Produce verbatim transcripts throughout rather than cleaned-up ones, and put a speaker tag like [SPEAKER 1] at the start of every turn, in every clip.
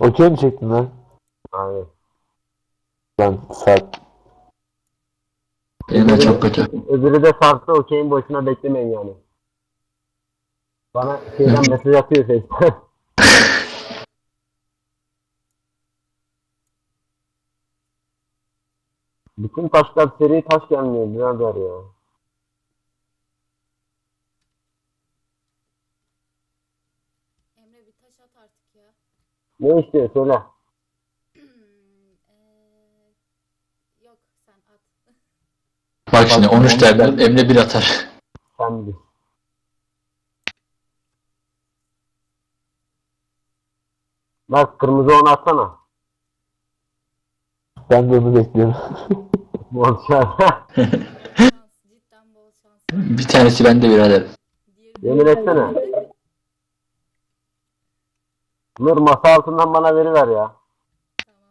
[SPEAKER 1] Okey mi çektin lan?
[SPEAKER 2] Aynen.
[SPEAKER 1] Lan saat.
[SPEAKER 3] Benim de çok kötü.
[SPEAKER 2] Öbürü de sarsı okeyin boşuna beklemeyin yani. Bana şeyden mesaj atıyor Face'ten. Bütün taşlar seri taş gelmiyor birader ya.
[SPEAKER 4] Emre bir taş at artık ya.
[SPEAKER 2] Ne istiyor söyle.
[SPEAKER 4] Eee, yok sen at.
[SPEAKER 3] Bak şimdi on üç tane Emre bir atar.
[SPEAKER 2] Sen bil. Bak kırmızı onu atsana.
[SPEAKER 1] Ben de onu bekliyorum.
[SPEAKER 2] Bol şans.
[SPEAKER 4] Şans, cidden bol şans.
[SPEAKER 3] Bir tanesi bende birader.
[SPEAKER 4] Diğeri de-
[SPEAKER 2] Yemin etsene. Nur masa altından bana veriver ya.
[SPEAKER 4] Tamam.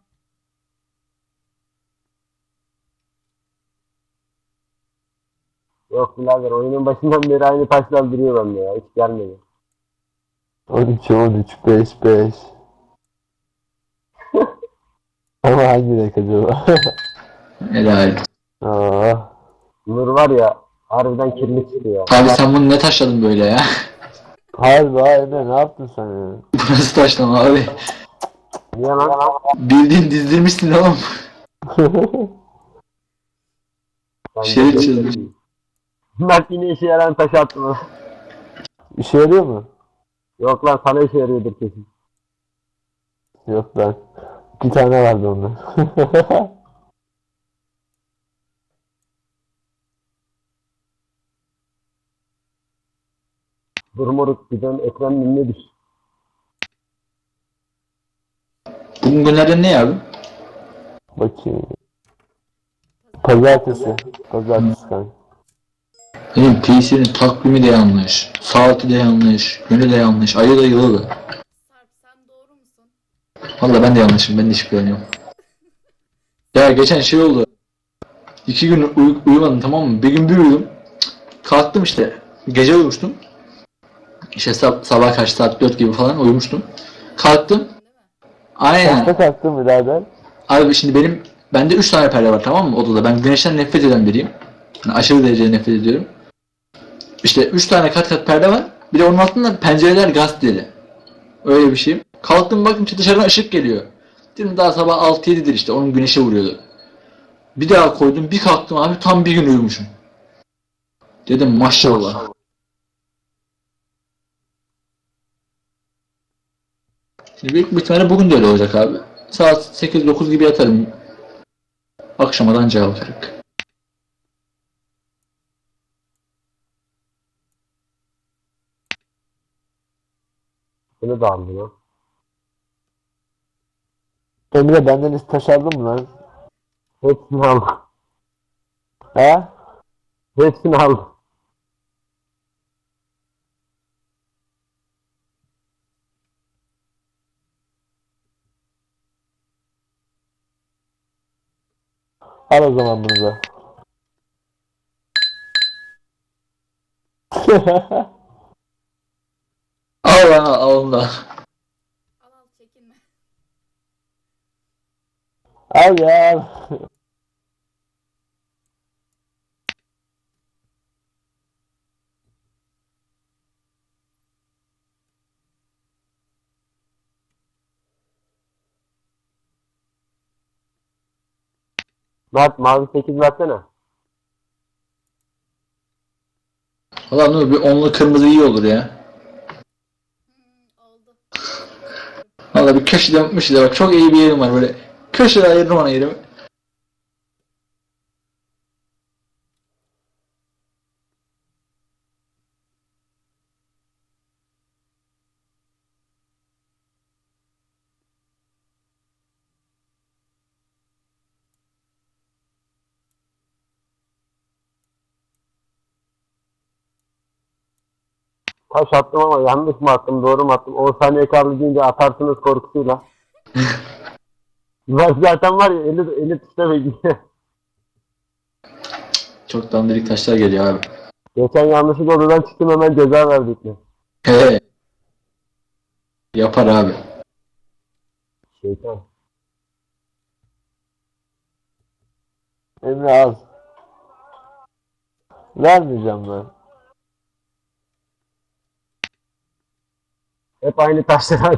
[SPEAKER 2] Yok birader oyunun başından beri aynı taşlar duruyor bende ya. Hiç gelmedi.
[SPEAKER 1] on üç on üç beş beş. Ama hangi renk acaba?
[SPEAKER 3] Helal.
[SPEAKER 1] Aa,
[SPEAKER 2] Nur var ya harbiden kirli çıkıyor.
[SPEAKER 3] Abi sen bunu ne taşladın böyle ya?
[SPEAKER 1] harbi ha Emre ne yaptın sen ya?
[SPEAKER 3] Bu nasıl taşlama abi?
[SPEAKER 2] Niye lan?
[SPEAKER 3] Bildiğin dizdirmişsin oğlum.
[SPEAKER 2] Ben
[SPEAKER 3] Şey
[SPEAKER 2] de-
[SPEAKER 3] çizmiş.
[SPEAKER 2] Bak yine işe yarayan taş attım.
[SPEAKER 1] İşe yarıyor mu?
[SPEAKER 2] Yok lan sana işe yarıyordur kesin.
[SPEAKER 1] Yok ben. İki tane vardı onda.
[SPEAKER 2] Dur moruk bir dön ekran önüne düş.
[SPEAKER 3] Bugün günlerden ne abi?
[SPEAKER 1] Bakayım. Pazartesi. Pazartesi kanka.
[SPEAKER 3] Benim P C'nin takvimi de yanlış. Saati de yanlış. Günü de yanlış. Ayı da yılı da.
[SPEAKER 4] Sarp sen doğru musun?
[SPEAKER 3] Valla ben de yanlışım. Ben de hiç güveniyorum. Ya geçen şey oldu. İki gün uy- uyumadım tamam mı? Bir gün bir uyudum. Kalktım işte. Gece uyumuştum. İşte sab- sabah kaç saat dört gibi falan uyumuştum. Kalktım.
[SPEAKER 4] Değil mi?
[SPEAKER 3] Aynen.
[SPEAKER 1] Kaçta kalktın birader?
[SPEAKER 3] Abi şimdi benim bende üç tane perde var tamam mı odada. Ben güneşten nefret eden biriyim. Yani aşırı derecede nefret ediyorum. İşte üç tane kat kat perde var. Bir de onun altında pencereler gazeteli. Öyle bir şeyim. Kalktım baktım ki dışarıdan ışık geliyor. Dedim daha sabah altı yedidir işte onun güneşe vuruyordu. Bir daha koydum bir kalktım abi tam bir gün uyumuşum. Dedim maşallah. Şimdi büyük bir ihtimalle bugün de öyle olacak abi. Saat sekiz dokuz gibi yatarım. Akşamadan cevap olarak.
[SPEAKER 2] Bunu da aldı lan.
[SPEAKER 1] Emre benden hiç taş aldın mı lan?
[SPEAKER 2] Hepsini aldı.
[SPEAKER 1] He?
[SPEAKER 2] Hepsini aldı.
[SPEAKER 1] Al o zaman bunu da.
[SPEAKER 3] Al lan al onu da.
[SPEAKER 4] Al al çekinme.
[SPEAKER 1] Al ya al.
[SPEAKER 2] Mert mavi sekiz versene.
[SPEAKER 3] Valla Nur bir onlu kırmızı iyi olur ya.
[SPEAKER 4] Hmm, oldu.
[SPEAKER 3] Valla bir köşede yapmış da bak çok iyi bir yerim var böyle. Köşede ayırdım ona yerimi.
[SPEAKER 2] Taş attım ama yanlış mı attım doğru mu attım? on saniye kaldı deyince atarsınız korkusuyla. Ben zaten var ya eli, eli tuşta bekliyor.
[SPEAKER 3] Çok dandirik taşlar geliyor abi.
[SPEAKER 2] Geçen yanlışlıkla odadan çıktım hemen ceza verdik mi?
[SPEAKER 3] He. Yapar abi.
[SPEAKER 2] Şeytan.
[SPEAKER 1] Emre az. Vermeyeceğim ben.
[SPEAKER 2] Hep aynı taşlar hadi.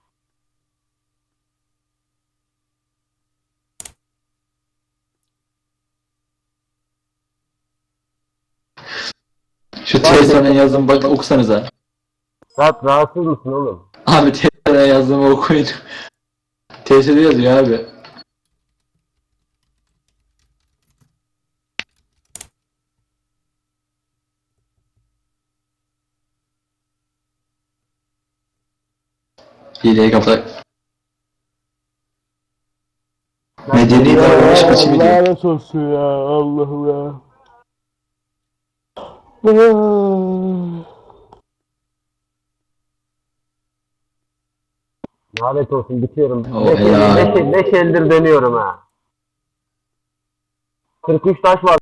[SPEAKER 3] Şu T S'den yazdığımı bak okusanıza.
[SPEAKER 2] Saat rahatsız mısın oğlum?
[SPEAKER 3] Abi T S'den yazdığımı okuyun. T S'de yazıyor abi. Hileyi kapat. Medeni davranış biçimi diyor.
[SPEAKER 1] Lanet olsun ya. Allah'ım ya.
[SPEAKER 2] Lanet olsun bitiyorum.
[SPEAKER 3] Oh
[SPEAKER 2] Beş,
[SPEAKER 3] ya.
[SPEAKER 2] beş, beş eldir dönüyorum ha. kırk üç taş var.